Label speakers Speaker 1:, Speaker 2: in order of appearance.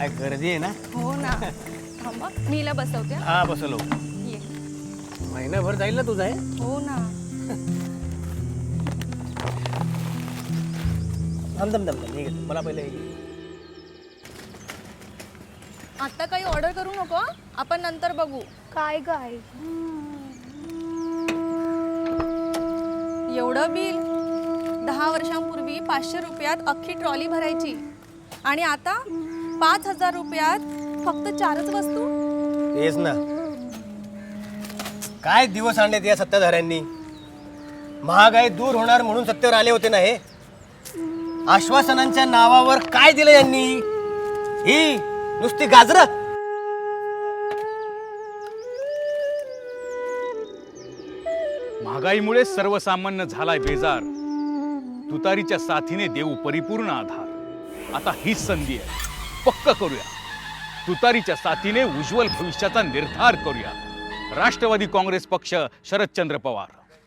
Speaker 1: काय गर्दी आहे ना.
Speaker 2: हो ना. थांबा मी हिला बसवते.
Speaker 1: हा बसलो.
Speaker 2: ये.
Speaker 1: महिनाभर जाईल ना तुझा हे.
Speaker 2: हो ना.
Speaker 1: दम मला पहिले
Speaker 2: आता काही ऑर्डर करू नको, आपण नंतर बघू.
Speaker 3: काय गाय
Speaker 2: एवढं बिल? 10 वर्षांपूर्वी 500 रुपयात अख्खी ट्रॉली भरायची आणि आता 5000 रुपयात फक्त 4च वस्तू.
Speaker 1: तेच ना, काय दिवस आणलेत या सत्ताधाऱ्यांनी. महागाई दूर होणार म्हणून सत्तेवर आले होते ना हे. आश्वासनांच्या नावावर काय दिलं यांनी? ही नुसती गाजरं.
Speaker 4: महागाईमुळे सर्वसामान्य झालाय बेजार. तुतारीच्या साथीने देऊ परिपूर्ण आधार. आता हीच संधी आहे, पक्क करूया. तुतारीच्या साथीने उज्ज्वल भविष्याचा निर्धार करूया. राष्ट्रवादी काँग्रेस पक्ष, शरदचंद्र पवार.